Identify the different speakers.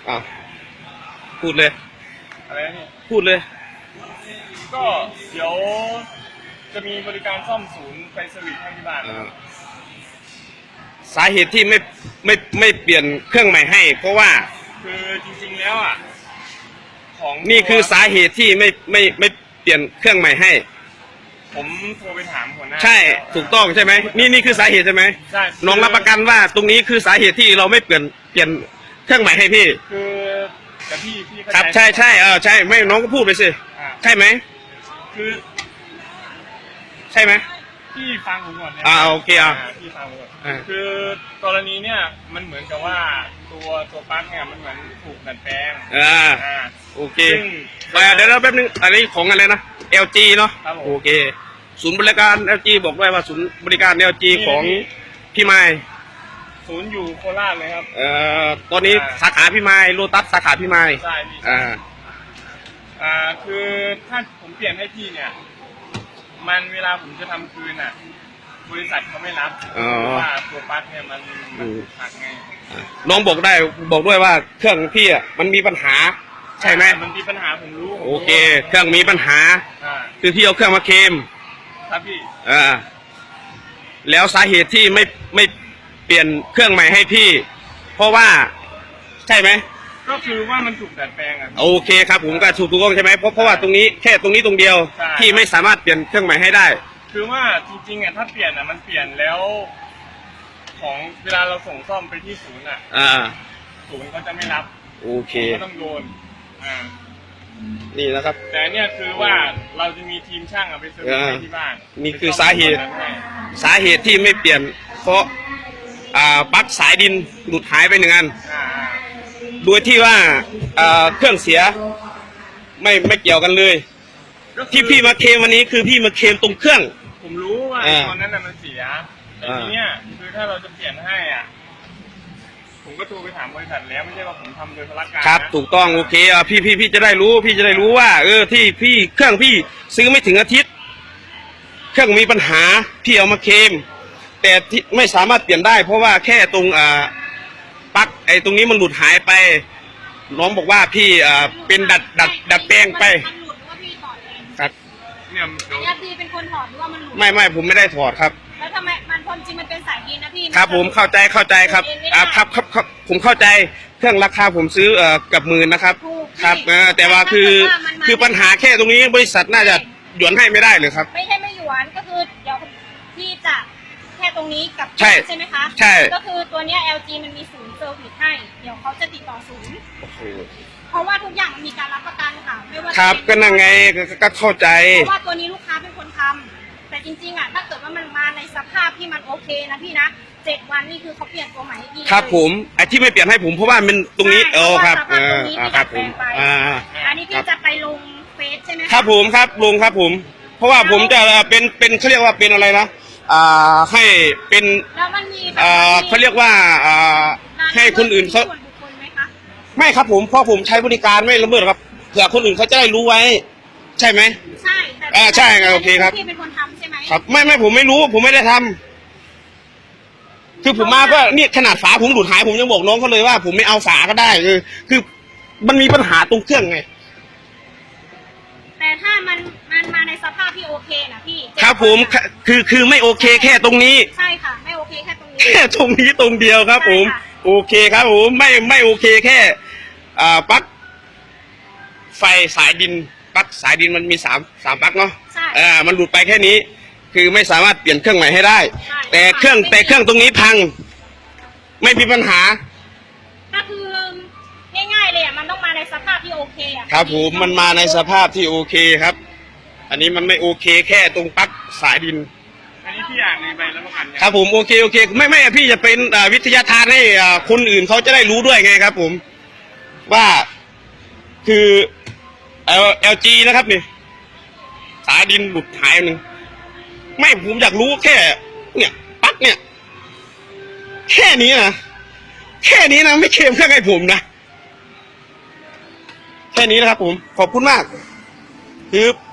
Speaker 1: อ้าวพูดเลย
Speaker 2: อะไรนี่
Speaker 1: พูดเลย
Speaker 2: ก็เดี๋ยวจะมีบริการซ่อมศูนย์ไฟสวิตช์ให้ที่บ้าน
Speaker 1: สาเหตุที่ไม่เปลี่ยนเครื่องใหม่ให้ เพราะว่า
Speaker 2: คือจริงๆแล้วอ่ะของ
Speaker 1: นี่คือสาเหตุที่ไม่เปลี่ยนเครื่องใหม่ให้
Speaker 2: ผมโทรไปถามหัวหน้า
Speaker 1: ใช่ถูกต้องใช่ไหมนี่คือสาเหตุใช่ไหม
Speaker 2: ใช่
Speaker 1: น้องรับประกันว่าตรงนี้คือสาเหตุที่เราไม่เปลี่ยนเครื่องใหม่ให้พี่
Speaker 2: คือแต่พี่
Speaker 1: ครับใช่ใช่ไม่น้องก็พูดไปสิใช่ไหม
Speaker 2: คือ
Speaker 1: ใช่ไหม
Speaker 2: พี่ฟังผมก่อนนะ
Speaker 1: โอเค
Speaker 2: พี่ฟังผมก่อนคือกรณีเนี่ยมันเหมือนกับว่าตัวปลั๊กเนี่ยมันเหมือนถูกดัดแปลง
Speaker 1: โอเคเดี๋ยวแป๊บนึงอันนี้ของอะไรนะ LG เนาะโอเคศูนย์บริการ LG บอกด้วยว่าศูนย์บริการ LG ของพี่ไม้
Speaker 2: ศูนย์อยู่โคราชเลยครับ
Speaker 1: ตอนนี้สาขาพี่ไม้โลตัสสาขาพี่ไม้
Speaker 2: ใช่พี่คือถ้าผมเปลี่ยนให้พี่เนี่ยมันเวลาผมจะทำคืนอ่ะบริษัทเขาไม่รับเพราะว่าตัวปลั๊กเนี่ยมันหักไง
Speaker 1: น้องบอกด้วยว่าเครื่องพี่อ่ะมันมีปัญหาใช่ไหม
Speaker 2: มันมีปัญหาผมรู้
Speaker 1: โอเคเครื่องมีปัญหาคือพี่เอาเครื่องมาเคลม
Speaker 2: ครับพี่
Speaker 1: แล้วสาเหตุที่ไม่เปลี่ยนเครื่องใหม่ให้พี่เพราะว่าใช่ไหม
Speaker 2: ก็คือว่ามันถูกดัดแปลง
Speaker 1: โอเคครับผมก็ถูกต้องใช่ไหมเพราะว่าตรงนี้แค่ตรงนี้ตรงเดียวที่ไม่สามารถเปลี่ยนเครื่องใหม่ให้ได้
Speaker 2: คือว่าจริงๆอ่ะถ้าเปลี่ยนอ่ะมันเปลี่ยนแล้วของเวลาเราส่งซ่อมไปที่ศูนย์อ่ะศูนย์เขาจะไม่รับ
Speaker 1: โอเค
Speaker 2: ก็ต้องโดน
Speaker 1: นี่นะครับ
Speaker 2: แต่เนี่ยคือว่าเราจะมีทีมช่างเอาไปเซอร์วิสที่บ้าน
Speaker 1: นี่คือสาเหตุที่ไม่เปลี่ยนเพราะปลั๊กสายดินหลุดหายไป1 อันโดยที่ว่าเครื่องเสียไม่เกี่ยวกันเลยที่พี่มาเคลมวันนี้คือพี่มาเคลมตรงเครื่อง
Speaker 2: ผมรู้ว่าตอนนั้นมันเสียแต่ทีเนี้ยคือถ้าเราจะเปลี่ยนให้อ่ะผมก็โทรไปถามบริษัทแล้วไม่ใช่ว่าผมทำโดยพลการ
Speaker 1: ครับถูกต้องโอเคพี่จะได้รู้ว่าที่พี่เครื่องพี่ซื้อไม่ถึงอาทิตย์เครื่องมีปัญหาพี่เอามาเคลมแต่ที่ไม่สามารถเปลี่ยนได้เพราะว่าแค่ตรงปลั๊กตรงนี้มันหลุดหายไปน้องบอกว่าพี่เป็นดัดแปลงไปครับ
Speaker 3: เนี่ยพี่เป็นคนถอดหรือว่ามันหลุด
Speaker 1: ไม่ผมไม่ได้ถอดครับ
Speaker 3: แล้วทำไมมันความจริงมันเป็นสายดินนะพี่
Speaker 1: ครับผมเข้าใจครับครับผมเข้าใจเครื่องราคาผมซื้อกับหมื่นนะครับครับแต่ว่าคือปัญหาแค่ตรงนี้บริษัทน่าจะหยวนให้ไม่ได้เลยครับ
Speaker 3: ไม่ใช่ไม่หยวนก็คือเดี๋ยวพี่จะแค่ตรงนี้กับ
Speaker 1: ใช่
Speaker 3: ไหมคะ
Speaker 1: ใช่
Speaker 3: ก็คือตัวเนี้ย LG มันมีศูนย์เซอร์วิสให้เดี๋ยวเขาจะติดต่อศูนย์เพราะว่าทุกอย่างมันมีการรับประกันค่ะไม่ว่า
Speaker 1: ครับก็นั่งไงก็เข้าใจ
Speaker 3: เพราะว่าตัวนี้ลูกค้าเป็นคนทำแต่จริงๆอ่ะถ้าเกิดว่ามันมาในสภาพที่มันโอเคนะพี่นะ7 วันนี่คือเขาเปลี่ยนตัวใหม่ให้พี่
Speaker 1: ครับผมไอ้ที่ไม่เปลี่ยนให้ผมเพราะว่ามันตรงนี้
Speaker 3: ครับครับผมอันนี้พี่จะไปลงเฟซใช่ไหม
Speaker 1: ครับผมครับลงครับผมเพราะว่าผมจะเป็นเขาเรียกว่าเป็นอะไรนะให้เป็นเขาเรียกว่าให้คนอื่นเขาไม่ครับผมเพราะผมใช้บริการไม่ละเมิดครับเผื่อคนอื่นเขาจะได้รู้ไว้ใช่ไหม
Speaker 3: ใช่
Speaker 1: ใช่โอเคครับ
Speaker 3: พี่เป็นคนทำใช่ไหม
Speaker 1: ครับไม่ผมไม่รู้ผมไม่ได้ทำคือผมมาก็นี่ขนาดฝาผมหลุดหายผมยังบอกน้องเขาเลยว่าผมไม่เอาฝาก็ได้คือมันมีปัญหาตรงเครื่องไง
Speaker 3: แต่ถ้ามันมาในสภาพที่โอเคนะพี่
Speaker 1: ครับผมคือไม่โอเคแค่ตรงนี้
Speaker 3: ใช่ค่ะไม่โอเคแค่ตรงนี้
Speaker 1: แค่ตรงนี้ตรงเดียวครับผมโอเคครับผมไม่โอเคแค่ปลั๊กไฟสายดินปลั๊กสายดินมันมีสามปลั๊กเนาะมันหลุดไปแค่นี้คือไม่สามารถเปลี่ยนเครื่องใหม่ให้ได้แต่เครื่องตรงนี้พังไม่มีปัญหา
Speaker 3: ก็คือง่ายๆเลยมันต้องมาในสภาพที่โอเค
Speaker 1: ครับผมมันมาในสภาพที่โอเคครับอันนี้มันไม่โอเคแค่ตรงปลั๊กสายดิน
Speaker 2: อันนี้พี่อ่านในใบรับประกัน
Speaker 1: ครับผมโอเคไม่พี่จะเป็นวิทยาทานให้คนอื่นเขาจะได้รู้ด้วยไงครับผมว่าคือLG นะครับนี่สายดินหลุดหายนึงไม่ผมอยากรู้แค่เนี่ยปลั๊กเนี่ยแค่นี้นะไม่เคลมเครื่องให้ผมนะแค่นี้นะครับผมขอบคุณมากคือ